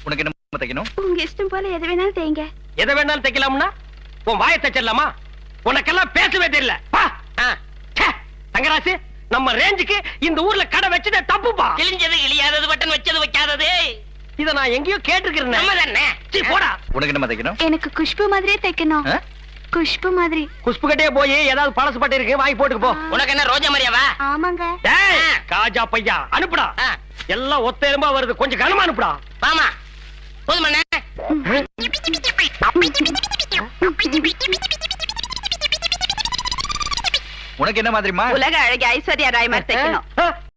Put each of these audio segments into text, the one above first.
உனக்கு என்ன தைக்கணும்? உங்க இஷ்டம் போல எது வேணாலும் தேய்ங்க. எதை வேணாலும் தைக்கலாம்னா உன் வாயை தைச்சிடலாமா? உனக்கெல்லாம் பேசவே தெரியல. தங்கராசு, நம்ம ரேஞ்சுக்கு இந்த ஊர்ல கடை வச்சதே தப்புப்பா. கிழிஞ்சது கிழியாதது, பட்டன் வச்சது வைக்காதது. இத நான் எங்கேயோ கேட்டிருக்கிறேன். போடா. உனக்கு என்ன தைக்கணும்? எனக்கு குஷ்பு மாதிரியே தைக்கணும். குஷ்பு மாதிரி. குஷ்பு கிட்டே போய் ஏதாவது பழசு பட்டு இருக்கு வாங்கி போட்டுக்கு போ. உனக்கு என்ன ரோஜா மாதிரியாவா? ஆமாங்க. காஜா பையா அனுப்புடா. எல்லாம் ஒத்த எறும்பா வருது, கொஞ்சம் கனமா அனுப்புடா. மாமா போதுமண்ணே. உனக்கு என்ன மாதிரிமா? உலக அழகி ஐஸ்வர்யா ராய் மாதிரி தைக்கணும்.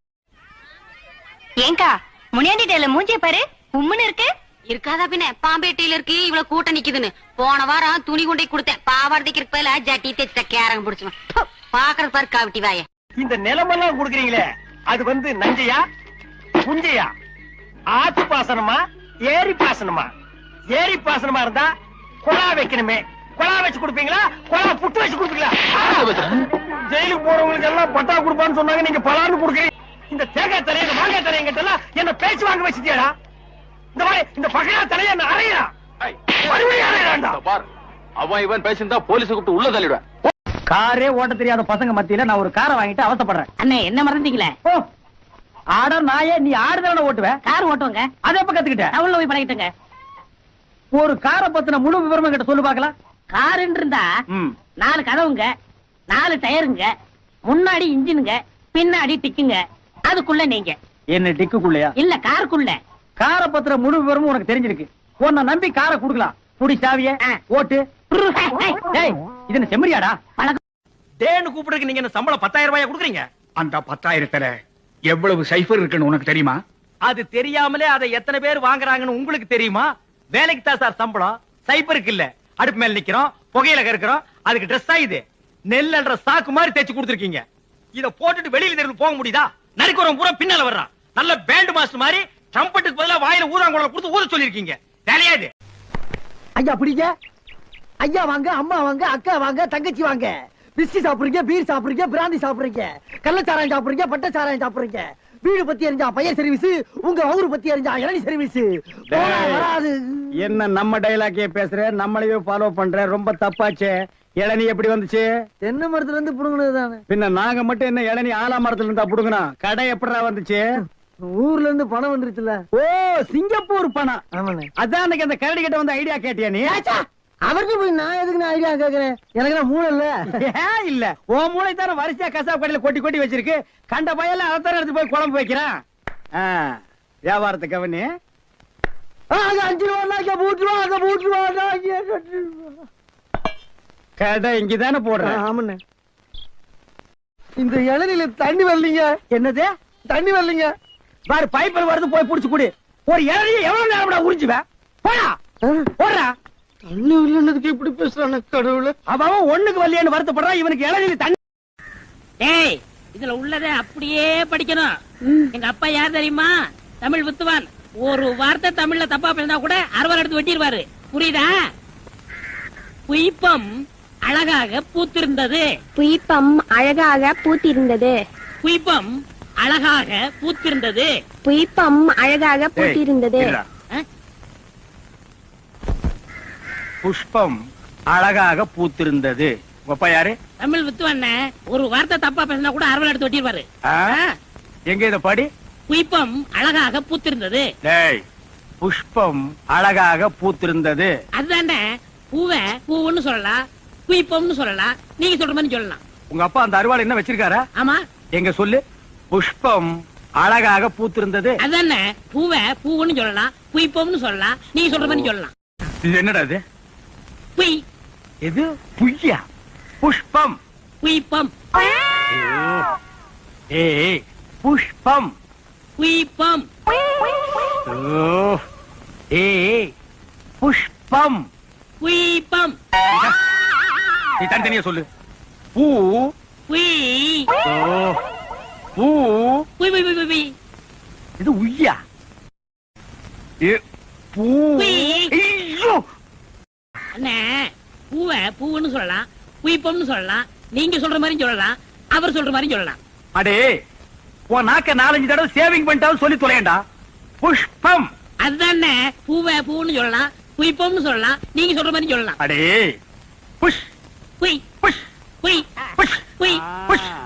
ஏங்கா முனியாண்டி டேல மூஞ்சிய பாரு, உம்முன்னு இருக்கு. இருக்காதா பின்ன, பாம்பேட்டையில இருக்கு இவ்வளவு கூட்டம் நிக்குதுன்னு. போன வாரம் துணி கொண்டை கொடுத்தேன், பாவாடதைக்கு பதிலா ஜட்டி தைச்ச கேரங்க பிடிச்சுவேன். பாக்குறது பாரு காவிட்டி வாய. இந்த நிலமெல்லாம் குடுக்குறீங்களே, அது வந்து நஞ்சையா புஞ்சையா, ஆத்து பாசனமா ஏரி பாசனமா? ஏரி பாசனமா இருந்தா குழா வைக்கணுமே, குழா வச்சு கொடுப்பீங்களா, குழா புட்டு வச்சு கொடுப்பீங்களா? ஜெயிலுக்கு போறவங்களுக்கு எல்லாம் பட்டா கொடுப்பான்னு சொன்னாங்க, நீங்க பலான்னு கொடுக்குறீங்க. இந்த தேங்காய் தலைய மாங்காய் தலையங்கிட்ட எல்லாம் என்ன பேச்சு வாங்க வச்சுட்டியாடா? இந்த மாதிரி இந்த பகையா தலைய என்ன அறையா? மறுபடியும் அறையாண்டா பார். அவன் இவன் பேசியிருந்தா போலீஸ் கூப்பிட்டு உள்ள தள்ளிடுவேன். காரே ஓட்ட தெரியாத பசங்க மத்தியில நான் ஒரு காரை வாங்கிட்டு அவசப்படுறேன். அண்ணே என்ன மறந்தீங்களே? ஆட நாயே, நீ ஆடுதவன ஓட்டுவேன், கார் ஓட்டுவாங்க. அதை எப்ப கத்துக்கிட்டேன்? டவுன்ல போய் பழகிட்டங்க. ஒரு காரை பத்தின முழு விவரமா கிட்ட சொல்லு பாக்கலாம். காருன்னு இருந்தா 4 கதவுங்க, 4 டயருங்க, முன்னாடி இன்ஜினுங்க, பின்னாடி டிக்குங்க, அதுக்குள்ள நீங்க. என்ன டிக்குக்குள்ளயா? இல்ல காருக்குள்ள. காரை பத்திர முழு விவரமும் உனக்கு தெரிஞ்சிருக்கு. உன்னை நம்பி காரை குடுக்கலாம். குடி சாவிய ஓட்டு. இது செம்மறியாடா? டேன்னு கூப்பிடுறதுக்கு நீங்க என்ன சம்பளம் 10,000 ரூபாயா குடுக்குறீங்க? அந்த 10,000த்துல எவ்வளவு சைஃபர் இருக்குன்னு உனக்கு தெரியுமா? அது தெரியாமலே அதை எத்தனை பேர் வாங்குறாங்கன்னு உங்களுக்கு தெரியுமா? வேலைக்கு தான் சார் சம்பளம், சைபருக்கு இல்ல. அடுப்பு மேல நிக்கிறோம், புகையில கறக்குறோம், அதுக்கு ட்ரெஸ் ஆயுது. நெல்லுன்ற சாக்கு மாதிரி தேய்ச்சி கொடுத்துருக்கீங்க. இத போட்டுட்டு வெளியில இருந்து போக முடியுதா? நரிக்குறவன் பூரா பின்னால வர்றான். நல்ல பேண்ட் மாஸ்டர் மாதிரி ட்ரம்பட்டுக்கு பதிலா வாயில ஊதாங்குழல் கொடுத்து ஊத சொல்லிருக்கீங்க. வேலையா இது? ஐயா பிடிங்க. ஐயா வாங்க, அம்மா வாங்க, அக்கா வாங்க, தங்கச்சி வாங்க. பிஸ்கி சாப்பிடுறீங்க, பீர் சாப்பிடுறீங்க, பிராந்தி சாப்பிடுறீங்க, கள்ளச்சாராயம் சாப்பிடுறீங்க, பட்டச்சாராயம் சாப்பிடுறீங்க. வீடு பத்தி எரிஞ்சா பையன் சர்வீஸ், உங்க ஊரு பத்தி எரிஞ்சா இளநீ சர்வீஸ். வராது. என்ன நம்ம டைலாக்கே பேசுற, நம்மளையே ஃபாலோ பண்ற, ரொம்ப தப்பாச்சே. இளநீ எப்படி வந்துச்சு? தென்னை மரத்துல இருந்து புடுங்கினது தானே. பின்ன நாங்க மட்டும் என்ன இளநீ ஆலா மரத்துல இருந்தா புடுங்கணும்? கடை எப்படா வந்துச்சு? ஊர்ல இருந்து பணம் வந்துருச்சுல. ஓ, சிங்கப்பூர் பணம். ஆமாண்ணே. அதான் அன்னைக்கு அந்த கரடி கிட்ட வந்து ஐடியா கேட்டியா நீ? அவருக்கு போய் நான் எதுக்கு நான் ஐடியா கேக்குறேன்? எனக்கு நான் மூளை இல்ல. இல்ல, உன் மூளை தானே வரிசையா கசாப் கடையில கொட்டி கொட்டி வச்சிருக்கு. கண்ட பையல அதைத்தானே எடுத்து போய் குழம்பு வைக்கிறான். வியாபாரத்தை கவனி. 5 ரூபா பூட்டுருவா. கடை இங்கதானே போடுறேன். ஆமாண்ணே. இந்த இளநில தண்ணி வரலீங்க. என்னது தண்ணி வரலீங்க? பாரு, பைப்பில் வருது, போய் புடிச்சு குடி. ஒரு இளநிய எவ்வளவு நேரம் உறிஞ்சுவேன்? போடா போடுறா. தண்ணி வரலன்னதுக்கு எப்படி பேசுறான கடவுளே. அவன் ஒண்ணுக்கு வரலையேன்னு வருத்தப்படுறான். இவனுக்கு இளநில தண்ணி. ஏய், இதுல உள்ளதை அப்படியே படிக்கணும். எங்க அப்பா யார் தெரியுமா? தமிழ் வித்துவான். ஒரு வார்த்தை தமிழ்ல தப்பா பேசினா கூட அறுவாள் எடுத்து வெட்டிடுவாரு. புரியுதா? புய்பம் அழகாக பூத்திருந்தது. புய்பம் அழகாக பூத்திருந்தது. புய்பம் அழகாக பூத்திருந்தது. புய்பம் அழகாக பூத்திருந்தது. புஷ்பம் அழகாக பூத்திருந்தது. அப்பா யாரு? தமிழ் வித்துவான். ஒரு வார்த்தை தப்பா பேசினா கூட அறுவாள் எடுத்து வெட்டிடுவாரு. எங்க இத படி. புய்பம் அழகாக பூத்திருந்தது. புஷ்பம் அழகாக பூத்திருந்தது. அதுதானே, பூவை பூவுன்னு சொல்லலாம், புய்பம்னு சொல்லலாம், நீங்க சொல்ற மாதிரி சொல்லலாம். உங்க அப்பா அந்த அருவாள் என்ன வச்சிருக்காரா? ஆமா. எங்க சொல்லு. புஷ்பம் அழகாக பூத்திருந்தது. அதுதானே, பூவை பூவுன்னு சொல்லலாம், புய்பம்னு சொல்லலாம், நீங்க சொல்ற மாதிரி சொல்லலாம். இது என்னடா இது? புய். எது புய்யா? புஷ்பம் புய்பம். ஏய், புஷ்பம் புய்பம். ஏய், புஷ்பம் புய்பம். நீ தனித்தனியா சொல்லு. பூ புய். பூ புய் புய் புய் புய். இது உய்யா? பூ. ஐயோ, அண்ணே, பூவை பூவுன்னு சொல்லலாம், புய்பம்னு சொல்லலாம், நீங்க சொல்ற மாதிரி சொல்லலாம், அவர் சொல்ற மாதிரி சொல்லலாம். அடே, உன் நாக்க 4-5 தடவை சேவிங் பண்ணிட்டாலும் சொல்லி தொலையண்டா. புஷ்பம் அதுதானே பூவை பூன்னு சொல்லலாம், புய்ப்போம்னு சொல்லலாம், நீங்க சொல்ற மாதிரி சொல்லலாம். அடே புஷ் புய் புஷ் புய் புஷ் புய் புஷ்